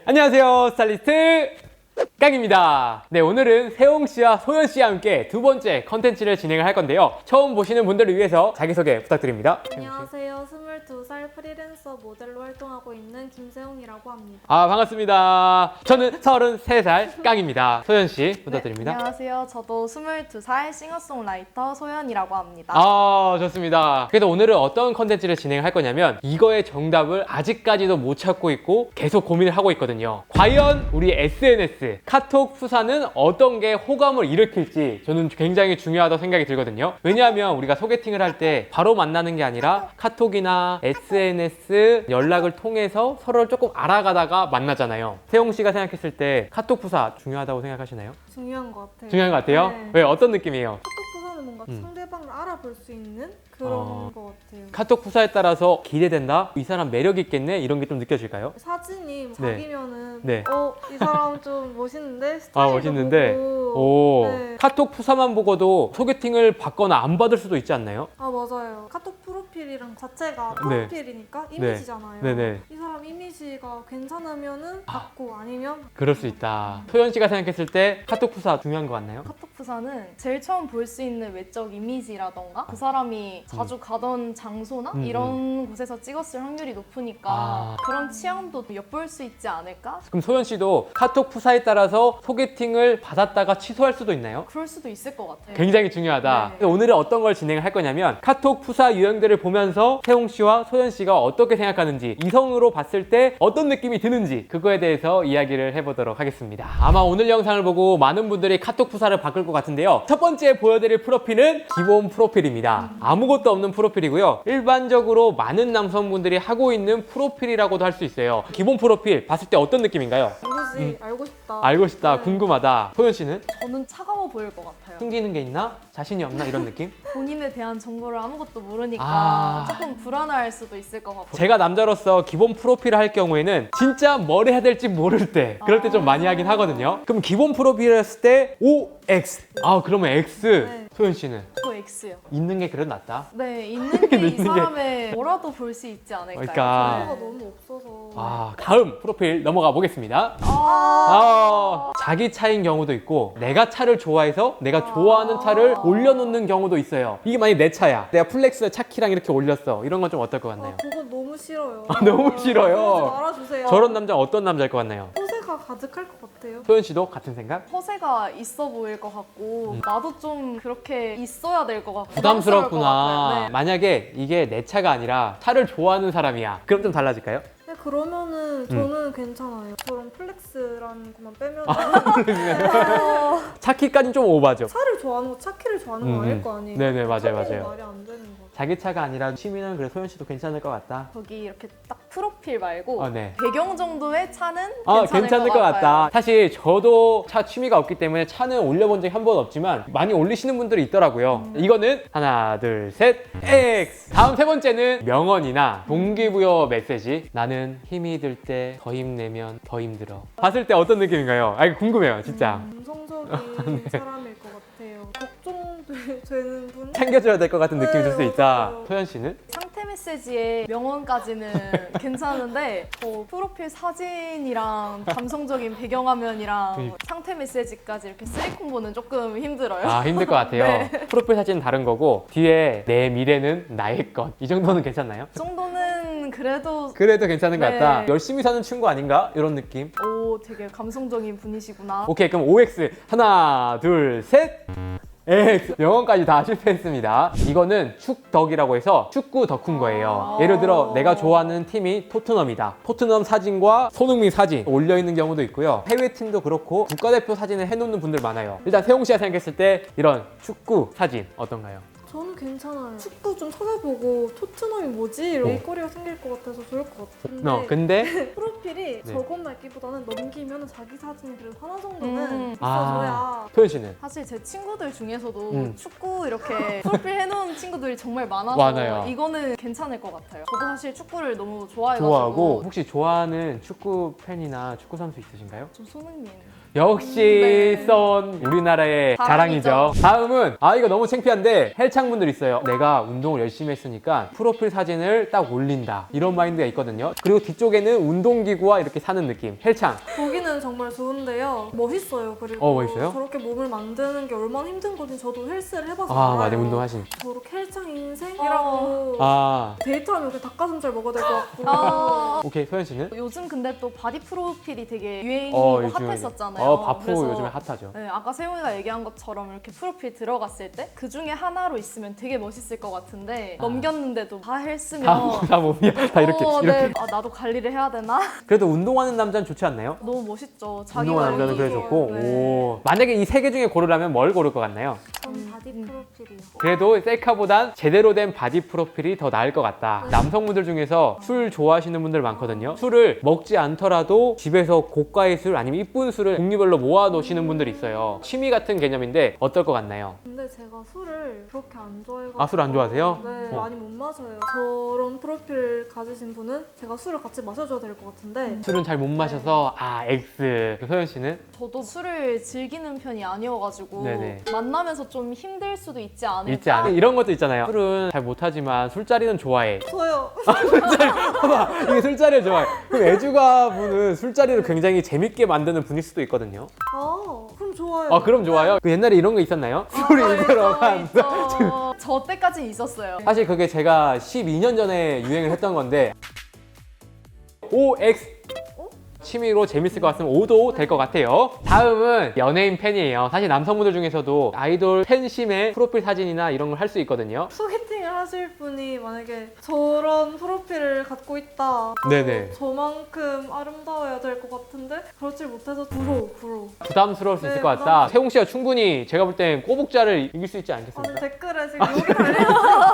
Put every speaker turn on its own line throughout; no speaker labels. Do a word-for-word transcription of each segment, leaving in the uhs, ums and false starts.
안녕하세요, 스타일리스트 깡입니다. 네, 오늘은 세홍 씨와 소연 씨와 함께 두 번째 컨텐츠를 진행을 할 건데요. 처음 보시는 분들을 위해서 자기소개 부탁드립니다.
안녕하세요. 스물두 살 프리랜서 모델로 활동하고 있는 김세홍이라고 합니다.
아, 반갑습니다. 저는 서른세 살 깡입니다. 소연 씨 부탁드립니다.
네, 안녕하세요. 저도 스물두 살 싱어송라이터 소연이라고 합니다.
아, 좋습니다. 그래서 오늘은 어떤 컨텐츠를 진행할 거냐면 이거의 정답을 아직까지도 못 찾고 있고 계속 고민을 하고 있거든요. 과연 우리 에스엔에스, 카톡 푸사는 어떤 게 호감을 일으킬지 저는 굉장히 중요하다고 생각이 들거든요. 왜냐하면 우리가 소개팅을 할 때 바로 만나는 게 아니라 카톡이나 에스엔에스 연락을 통해서 서로를 조금 알아가다가 만나잖아요. 세홍 씨가 생각했을 때 카톡 푸사 중요하다고 생각하시나요?
중요한 것 같아요.
중요한 것 같아요?
네.
왜? 어떤 느낌이에요?
카톡 부사는 뭔가
음.
상대방을 알아볼 수 있는 그런
어.
것 같아요.
카톡 푸사에 따라서 기대된다? 이 사람 매력 있겠네? 이런 게 좀 느껴질까요?
사진이
네.
자기면은
네.
어, 이 사람 좀 멋있는데?
아,
스타일도
멋있는데?
보고.
오,
네.
카톡 푸사만 보고도 소개팅을 받거나 안 받을 수도 있지 않나요?
아, 맞아요. 카톡 프로필이랑 자체가
네.
프로필이니까 이미지잖아요.
네네.
이 사람 이미지가 괜찮으면은 받고 아니면
그럴 수 있다. 소연 씨가 생각했을 때 카톡 푸사 중요한 것 같나요?
카톡 부사는 제일 처음 볼 수 있는 외적 이미지라던가 그 사람이 자주 가던 장소나
음,
이런 곳에서 찍었을 확률이 높으니까
아.
그런 취향도 엿볼 수 있지 않을까?
그럼 소연 씨도 카톡 푸사에 따라서 소개팅을 받았다가 취소할 수도 있나요?
그럴 수도 있을 것 같아요.
굉장히 중요하다.
네.
그래서 오늘은 어떤 걸 진행을 할 거냐면 카톡 푸사 유형들을 보면서 세홍 씨와 소연 씨가 어떻게 생각하는지, 이성으로 봤을 때 어떤 느낌이 드는지 그거에 대해서 이야기를 해보도록 하겠습니다. 아마 오늘 영상을 보고 많은 분들이 카톡 푸사를 바꿀 것 같은데요. 첫 번째 보여드릴 프로필은 기본 프로필입니다. 아무것도 없는 프로필이고요. 일반적으로 많은 남성분들이 하고 있는 프로필이라고도 할 수 있어요. 기본 프로필 봤을 때 어떤 느낌인가요?
누구지 알고 싶다.
알고 싶다,
네.
궁금하다. 소연 씨는
저는 차가워 보일 것 같아요.
숨기는 게 있나? 자신이 없나? 이런 느낌?
본인에 대한 정보를 아무것도 모르니까
아.
조금 불안할 수도 있을 것 같고.
제가 남자로서 기본 프로필을 할 경우에는 진짜 뭘 해야 될지 모를 때 그럴 때 좀 많이 하긴 하거든요. 그럼 기본 프로필을 했을 때 오 엑스. 아, 그러면 X.
네.
소연 씨는
저 X요.
있는 게 그래도 낫다.
네, 있는 게
있는
이
게-
사람의 뭐라도 볼 수 있지 않을까요?
그러니까.
정보가 너무 없어서.
아, 다음 프로필 넘어가 보겠습니다.
아.
아, 자기 차인 경우도 있고 내가 차를 좋아해서 내가 좋아하는 차를 올려놓는 경우도 있어요. 이게 만약에 내 차야. 내가 플렉스 차키랑 이렇게 올렸어. 이런 건 좀 어떨 것 같나요?
아, 그거 너무 싫어요.
아, 너무 싫어요.
그러지 말아주세요.
저런 남자 어떤 남자일 것 같나요?
호세가 가득할 것 같아요.
소연 씨도 같은 생각?
허세가 있어 보일 것 같고
음.
나도 좀 그렇게 있어야 될 것 같고
부담스럽구나.
부담스러울 것 같아요. 네.
만약에 이게 내 차가 아니라 차를 좋아하는 사람이야. 그럼 좀 달라질까요?
네, 그러면은 저는
음.
괜찮아요. 저런 플렉스라는 것만 빼면
어,
차키까지는 좀 오바죠.
차를 좋아하는 거, 차키를 좋아하는 거
음,
아닐 거 아니에요?
네네, 맞아요,
차키는
맞아요.
말이 안 되는 거.
자기 차가 아니라 취미는 그래 소연 씨도 괜찮을 것 같다.
거기 이렇게 딱 프로필 말고
아, 네.
배경 정도의 차는
아,
괜찮을,
괜찮을 것 같다. 사실 저도 차 취미가 없기 때문에 차는 올려본 적이 한 번 없지만 많이 올리시는 분들이 있더라고요.
음.
이거는 하나, 둘, 셋, X. 다음 세 번째는 명언이나 동기부여 메시지. 나는 힘이 들 때 더 힘내면 더 힘들어. 봤을 때 어떤 느낌인가요? 아, 이거 궁금해요, 진짜.
감성적인 사람일 것 같아요. 걱정되는 분?
챙겨줘야 될 것 같은 느낌이 들 수
네,
있다.
맞아요.
소연 씨는?
상태 메시지의 명언까지는 괜찮은데 어, 프로필 사진이랑 감성적인 배경화면이랑
그러니까.
상태 메시지까지 이렇게 쓰리콤보는 조금 힘들어요.
아, 힘들 것 같아요.
네.
프로필 사진은 다른 거고 뒤에 내 미래는 나의 것. 이 정도는 괜찮나요?
이 정도는 그래도
그래도 괜찮은 것
네.
같다. 열심히 사는 친구 아닌가? 이런 느낌.
오 되게 감성적인 분이시구나.
오케이, 그럼 오 엑스. 하나, 둘, 셋. X. 영어까지 다 실패했습니다. 이거는 축덕이라고 해서 축구 덕후인 거예요.
아.
예를 들어 내가 좋아하는 팀이 토트넘이다. 토트넘 사진과 손흥민 사진 올려있는 경우도 있고요. 해외팀도 그렇고 국가대표 사진을 해놓는 분들 많아요. 일단 세홍 씨가 생각했을 때 이런 축구 사진 어떤가요?
저는 괜찮아요. 축구 좀 찾아보고 토트넘이 뭐지? 이런
어.
일거리가 생길 것 같아서 좋을 것 같은데
어, 근데
프로필이
네.
저것 말기보다는 넘기면 자기 사진이 그래도 하나 정도는
음.
있어줘야
아, 소연 씨는?
사실 제 친구들 중에서도
음.
축구 이렇게 프로필 해놓은 친구들이 정말 많아서
많아요.
이거는 괜찮을 것 같아요. 저도 사실 축구를 너무 좋아해가지고
좋아하고 혹시 좋아하는 축구 팬이나 축구 선수 있으신가요?
좀 손흥민.
역시
네.
썬 우리나라의 자랑이죠.
자랑이죠.
다음은 아 이거 너무 창피한데 헬창분들 있어요. 내가 운동을 열심히 했으니까 프로필 사진을 딱 올린다 이런 마인드가 있거든요. 그리고 뒤쪽에는 운동기구와 이렇게 사는 느낌. 헬창.
보기는 정말 좋은데요. 멋있어요. 그리고
어, 멋있어요?
저렇게 몸을 만드는 게 얼마나 힘든 건지 저도 헬스를 해봐서
아
알아요.
맞아 운동하신.
저렇게 헬창 인생이라고
아
데이트하면 이렇게 닭가슴살 먹어야 될 것 같고
아,
오케이 소연 씨는?
요즘 근데 또 바디 프로필이 되게 유행이고
어, 요즘에
핫했었잖아요.
어 바프
그래서
요즘에 핫하죠.
네, 아까 세용이가 얘기한 것처럼 이렇게 프로필 들어갔을 때 그 중에 하나로 있으면 되게 멋있을 것 같은데 넘겼는데도 다 헬스면
다, 다 몸이야. 다 이렇게
어,
이렇게.
네. 아, 나도 관리를 해야 되나?
그래도 운동하는 남자는 좋지 않나요?
너무 멋있죠. 자기
운동하는 남자는 그래
관리.
좋고.
네.
오. 만약에 이 세 개 중에 고르라면 뭘 고를 것 같나요?
전 바디 프로필이요.
그래도 셀카보단 제대로 된 바디 프로필이 더 나을 것 같다.
네.
남성분들 중에서 술 좋아하시는 분들 많거든요. 술을 먹지 않더라도 집에서 고가의 술 아니면 이쁜 술을 종류별로 모아 놓으시는 분들이 있어요. 취미 같은 개념인데 어떨 것 같나요?
근데 제가 술을 그렇게 안 좋아해가지고
아, 술 안 좋아하세요?
네,
어.
많이 못 마셔요. 저런 프로필 가지신 분은 제가 술을 같이 마셔줘야 될 것 같은데
술은 잘 못 마셔서 아 X. 소연 씨는?
저도 술을 즐기는 편이 아니어가지고
네네.
만나면서 좀 힘들 수도 있지 않을까?
있지 않아요? 이런 것도 있잖아요. 술은 잘 못하지만 술자리는 좋아해.
저요.
봐봐, 이게 술자리를 좋아해. 그럼 애주가 분은 술자리를 굉장히 재밌게 만드는 분일 수도 있거든요.
아 그럼 좋아요.
아 그럼 좋아요. 그 옛날에 이런 거 있었나요? 술이
아,
들어간.
있죠, 있죠. 저 때까지는 있었어요.
사실 그게 제가 십이 년 전에 유행을 했던 건데 오 엑스 취미로 재밌을 것 같으면 오도 될 것 같아요. 다음은 연예인 팬이에요. 사실 남성분들 중에서도 아이돌 팬심의 프로필 사진이나 이런 걸 할 수 있거든요.
소개팅을 하실 분이 만약에 저런 프로필을 갖고 있다.
네네.
저만큼 아름다워야 될 것 같은데 그렇지 못해서 부러워 부러워.
부담스러울 수 있을
네,
것 같다.
부담-
세웅 씨가 충분히 제가 볼 땐 꼬북자를 이길 수 있지
아니
않겠습니까?
댓글에 지금 여기 달려.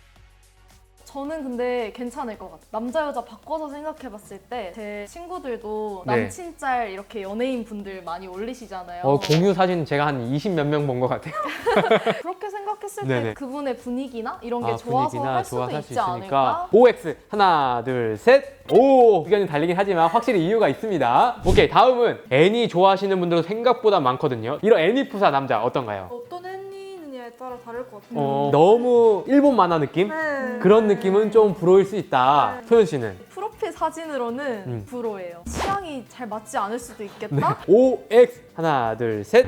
저는 근데 괜찮을 것 같아요. 남자 여자 바꿔서 생각해봤을 때 제 친구들도
네.
남친 짤 이렇게 연예인 분들 많이 올리시잖아요.
어, 공유 사진 제가 한 이십 몇 명 본 것 같아요.
그렇게 생각했을
네네.
때 그분의 분위기나 이런 게
아,
좋아서
분위기나
할 수도
좋아서 할
있지
수 있으니까
않을까?
오 엑스 하나 둘 셋 오 의견이 달리긴 하지만 확실히 이유가 있습니다. 오케이 다음은 애니 좋아하시는 분들도 생각보다 많거든요. 이런 애니 푸사 남자 어떤가요?
어떤 애니느냐에 따라 다를 것 같아요.
어, 너무 일본 만화 느낌?
네.
그런 느낌은 좀 부러울 수 있다.
네.
소연 씨는?
프로필 사진으로는
음.
불호예요. 취향이 잘 맞지 않을 수도 있겠다?
오 엑스 하나 둘 셋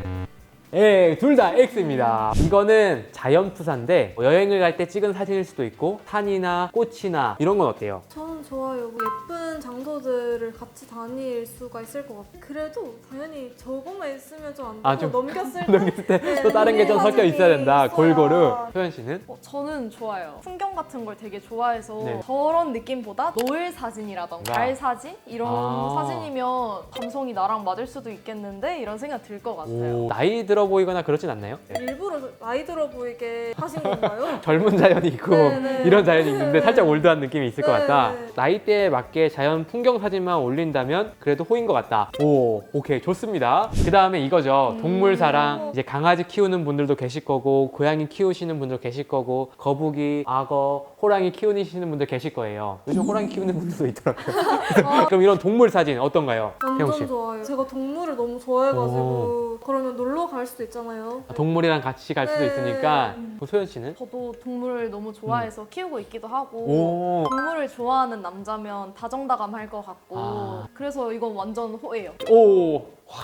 예, 둘 다 X입니다. 이거는 자연 푸사인데 여행을 갈 때 찍은 사진일 수도 있고 산이나 꽃이나 이런 건 어때요?
저는 좋아요. 뭐 예쁜 장소들을 같이 다닐 수가 있을 것 같아요. 그래도 당연히 저거만 있으면 좀 안 되고
아, 좀
넘겼을 때
넘겼을 때 또
네,
다른 게 좀 섞여
사진이
있어야 된다.
있어야.
골고루. 소연 씨는?
어, 저는 좋아요. 풍경 같은 걸 되게 좋아해서
네.
저런 느낌보다 노을 사진이라던가
아.
달 사진? 이런
아.
사진이면 감성이 나랑 맞을 수도 있겠는데 이런 생각 들 것 같아요.
오, 나이 들어 보이거나 그러진 않나요? 네.
일부러 나이 들어 보이게 하신 건가요?
젊은 자연이 있고
네, 네.
이런 자연이 있는데
네.
살짝 올드한 느낌이 있을 것
네,
같다.
네.
나이대에 맞게 자연 풍경 사진만 올린다면 그래도 호인 것 같다. 오, 오케이 좋습니다. 그 다음에 이거죠. 동물 사랑. 이제 강아지 키우는 분들도 계실 거고 고양이 키우시는 분들 계실 거고 거북이, 악어, 호랑이 키우시는 분들 계실 거예요. 요즘 호랑이 키우는 분들도 있더라고요. 그럼 이런 동물 사진 어떤가요? 태용 씨.
완전 좋아요. 제가 동물을 너무 좋아해가지고 그러면 놀러 갈 수도 있잖아요.
아, 동물이랑 같이 갈 수도
네.
있으니까. 그럼 소연 씨는?
저도 동물을 너무 좋아해서 키우고 있기도 하고
음. 오.
동물을 좋아하는 남자면 다정다감할 것 같고
아.
그래서 이건 완전 호예요.
오. 와.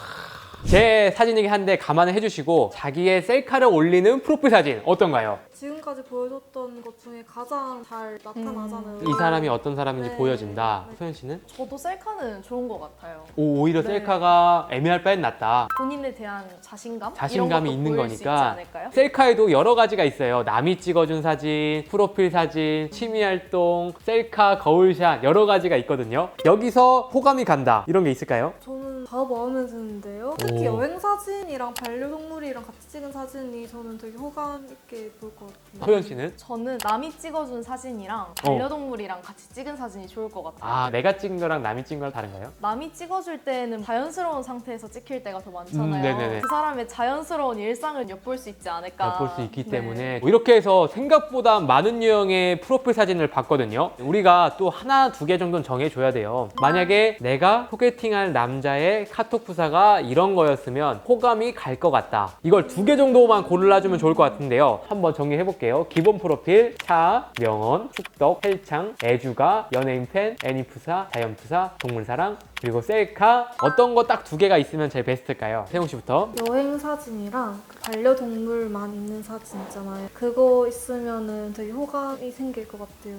제 사진이긴 한데 감안을 해주시고 자기의 셀카를 올리는 프로필 사진 어떤가요?
지금까지 보여줬던 것 중에 가장 잘 나타나잖아요.
이 사람이 어떤 사람인지
네.
보여진다.
네.
소연 씨는?
저도 셀카는 좋은 것 같아요.
오, 오히려
네.
셀카가 애매할 바엔 낫다.
본인에 대한 자신감?
자신감이
이런 것도
있는
보일 수 있지
거니까.
않을까요?
셀카에도 여러 가지가 있어요. 남이 찍어준 사진, 프로필 사진, 취미 활동, 셀카, 거울샷 여러 가지가 있거든요. 여기서 호감이 간다. 이런 게 있을까요?
저는 다 마음에 드는데요. 특히
오.
여행 사진이랑 반려동물이랑 같이 찍은 사진이 저는 되게 호감 있게 볼 것 같아요.
소연 씨는?
저는 남이 찍어준 사진이랑 반려동물이랑 같이 찍은 사진이 좋을 것 같아요.
아, 내가 찍은 거랑 남이 찍은 거랑 다른가요?
남이 찍어줄 때는 자연스러운 상태에서 찍힐 때가 더 많잖아요.
음, 네네네.
그 사람의 자연스러운 일상을 엿볼 수 있지 않을까.
볼 수 있기
네.
때문에 뭐 이렇게 해서 생각보다 많은 유형의 프로필 사진을 봤거든요. 우리가 또 하나 두 개 정도는 정해줘야 돼요. 만약에 내가 소개팅할 남자의 나의 카톡 프사가 이런 거였으면 호감이 갈 것 같다. 이걸 두 개 정도만 골라주면 좋을 것 같은데요. 한번 정리해 볼게요. 기본 프로필, 차, 명언, 축덕, 헬창, 애주가, 연예인 팬, 애니프사, 자연프사, 동물사랑, 그리고 셀카. 어떤 거 딱 두 개가 있으면 제일 베스트일까요? 세용 씨부터.
여행 사진이랑 그 반려동물만 있는 사진 있잖아요. 그거 있으면은 되게 호감이 생길 것 같아요.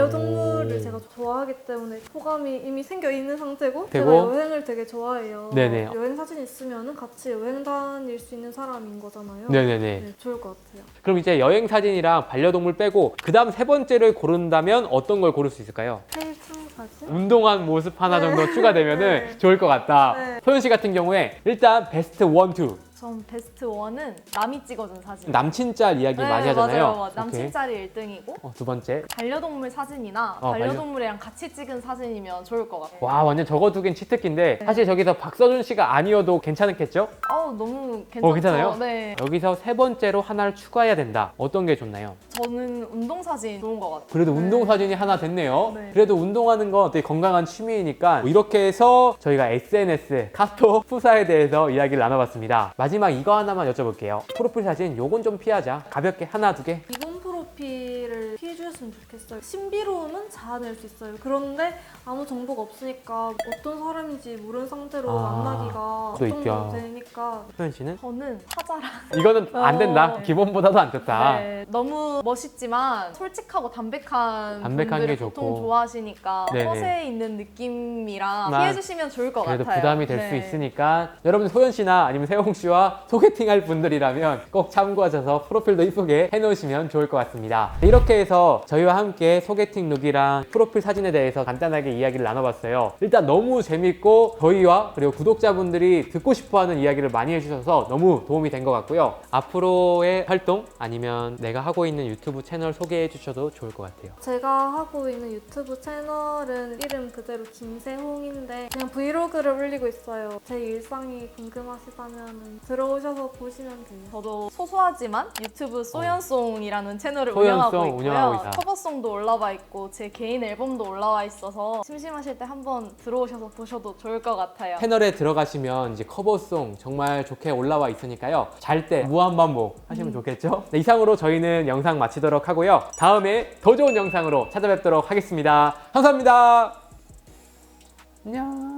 반려동물을
오.
제가 좋아하기 때문에 호감이 이미 생겨 있는 상태고,
되고.
제가 여행을 되게 좋아해요.
네네.
여행 사진 있으면은 같이 여행 다닐 수 있는 사람인 거잖아요.
네네네.
네, 좋을 것 같아요.
그럼 이제 여행 사진이랑 반려동물 빼고 그 다음 세 번째를 고른다면 어떤 걸 고를 수 있을까요?
헬창 사진?
운동한 모습 하나 정도 추가되면 은
네.
좋을 것 같다.
네.
소연 씨 같은 경우에 일단 베스트 원, 투.
전 베스트 원은 남이 찍어준 사진.
남친 짤 이야기
네,
많이 하잖아요.
맞아요. 맞아요. 남친
오케이.
짤이 일 등이고
어, 두 번째.
반려동물 사진이나
어, 반려-
반려동물이랑 같이 찍은 사진이면 좋을 것 같아요.
와, 완전 저거 두 개는 치트키인데 사실 저기서 박서준 씨가 아니어도 괜찮겠죠?
아우 너무 괜찮죠.
어, 괜찮아요?
네.
여기서 세 번째로 하나를 추가해야 된다. 어떤 게 좋나요?
저는 운동 사진 좋은 것 같아요.
그래도 운동 사진이 하나 됐네요.
네.
그래도 운동하는 건 되게 건강한 취미이니까 뭐 이렇게 해서 저희가 에스엔에스, 카톡, 푸사에 대해서 이야기를 나눠봤습니다. 마지막 이거 하나만 여쭤볼게요. 프로필 사진 요건 좀 피하자. 가볍게 하나, 두 개.
기본 프로필을 피해주셨으면 좋겠어요. 신비로움은 자아낼 수 있어요. 그런데 아무 정보가 없으니까 어떤 사람인지 모르는 상태로
아,
만나기가
또 있죠.
걱정도 되니까.
소연 씨는?
저는 사자랑
이거는 안 된다.
어.
기본보다도 안 좋다.
네, 너무 멋있지만 솔직하고 담백한,
담백한
분들을
게 좋고.
보통 좋아하시니까
네네.
허세 있는 느낌이랑
나-
피해주시면 좋을 것
그래도
같아요.
부담이 될 수
네.
있으니까 여러분 소연 씨나 아니면 세홍 씨와 소개팅할 분들이라면 꼭 참고하셔서 프로필도 이쁘게 해놓으시면 좋을 것 같습니다. 이렇게 해서 저희와 함께 소개팅 룩이랑 프로필 사진에 대해서 간단하게 이야기를 나눠봤어요. 일단 너무 재밌고 저희와 그리고 구독자분들이 듣고 싶어하는 이야기를 많이 해주셔서 너무 도움이 된 것 같고요. 앞으로의 활동 아니면 내가 하고 있는 유튜브 채널 소개해 주셔도 좋을 것 같아요.
제가 하고 있는 유튜브 채널은 이름 그대로 김세홍인데 그냥 브이로그를 올리고 있어요. 제 일상이 궁금하시다면 들어오셔서 보시면 돼요.
저도 소소하지만 유튜브 소연송이라는 채널을
소연송
운영하고 있고요.
운영하고 있다.
커버송도 올라와 있고 제 개인 앨범도 올라와 있어서 심심하실 때 한번 들어오셔서 보셔도 좋을 것 같아요.
채널에 들어가시면 이제 커버송 정말 좋게 올라와 있으니까요. 잘 때 무한반복 하시면 좋겠죠? 네, 이상으로 저희는 영상 마치도록 하고요. 다음에 더 좋은 영상으로 찾아뵙도록 하겠습니다. 감사합니다. 안녕.